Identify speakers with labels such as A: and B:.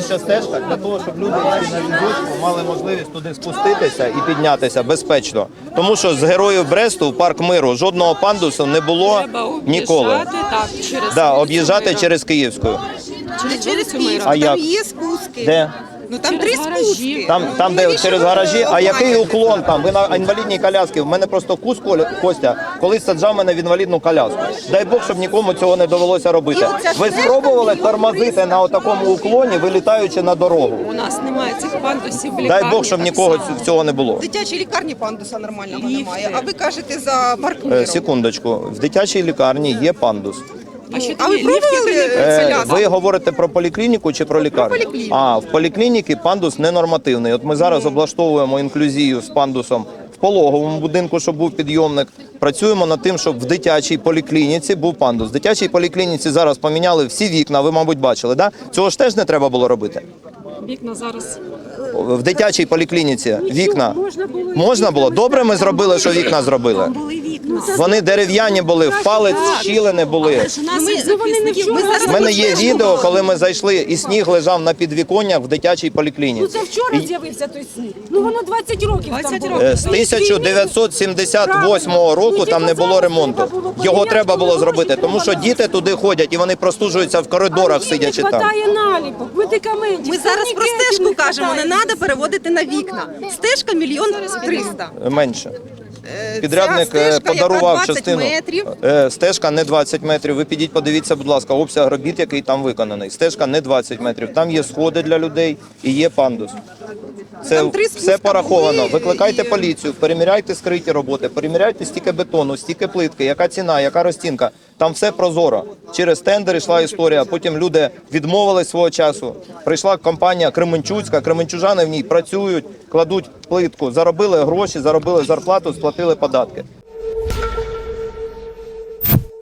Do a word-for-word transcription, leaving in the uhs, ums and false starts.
A: найближча стежка для того, щоб люди на візочку мали можливість туди спуститися і піднятися безпечно. Тому що з Героїв Бресту в Парк Миру жодного пандусу не було ніколи.
B: Так, через
A: Да, об'їжджати через Київську.
B: через
C: Через
B: вулицю Мира.
C: Київську,
A: А як?
C: там є спуски.
A: Де?
C: Ну там
B: Через
C: три
B: гаражі.
C: спуски.
A: Там, там де через гаражі. А який уклон там? Ви на інвалідній коляскі. В мене просто кус Костя колись саджав мене в інвалідну коляску. Дай Бог, щоб нікому цього не довелося робити. Ви спробували тормозити на такому уклоні, вилітаючи на дорогу?
B: У нас немає цих пандусів в лікарні.
A: Дай Бог, щоб
B: так
A: нікого
B: само.
A: цього не було.
C: В дитячій лікарні пандуса нормального
B: Ліфти.
C: немає. А ви кажете за Парк
A: Е,
C: Миру.
A: Секундочку. В дитячій лікарні є пандус.
B: А, що
C: А ви
B: тоді ліфти
C: пробували
B: не
A: Е,
C: коляску?
A: ви говорите про поліклініку чи про лікарню?
C: поліклініку.
A: А, в поліклініці пандус ненормативний. От ми зараз облаштовуємо інклюзію з пандусом в пологовому будинку, щоб був підйомник. Працюємо над тим, щоб в дитячій поліклініці був пандус. В дитячій поліклініці зараз поміняли всі вікна, ви, мабуть, бачили, да? Цього ж теж не треба було робити.
B: Вікна зараз.
A: В дитячій поліклініці вікна можна було. Добре, ми зробили, що вікна зробили. Вони дерев'яні були, в палець щілини були.
B: У нас їх захисників. Ми зараз
A: У мене є відео, коли ми зайшли, і сніг лежав на підвіконнях в дитячій поліклініці.
D: Це вчора з'явився той сніг. Ну воно двадцять років там
B: двадцять
D: було.
B: років.
A: Е, З тисяча дев'ятсот сімдесят восьмого року там не було ремонту. Його треба було зробити, тому що діти туди ходять і вони простужуються в коридорах, сидячи
D: Не
A: там.
D: хватає наліпок, медикаментів.
C: Ми зараз про
D: турнікетів
C: стежку кажемо, не
D: хватає.
C: треба переводити на вікна. Стежка мільйон триста.
A: Менше.
C: Е,
A: Підрядник
C: ця
A: е,
C: стежка,
A: подарував
C: яка двадцять
A: частину.
C: метрів.
A: Е, Стежка не двадцять метрів. Ви підіть, подивіться, будь ласка, обсяг робіт, який там виконаний. Стежка не двадцять метрів. Там є сходи для людей і є пандус. Це
C: Там три
A: все
C: спуска
A: пораховано.
C: були,
A: Викликайте
C: і-
A: поліцію, переміряйте скриті роботи, переміряйте стільки бетону, стільки плитки, яка ціна, яка розцінка. Там все прозоро. Через тендер йшла історія. Потім люди відмовились свого часу. Прийшла компанія Кременчуцька, кременчужани в ній працюють, кладуть плитку, заробили гроші, заробили зарплату, сплатили податки.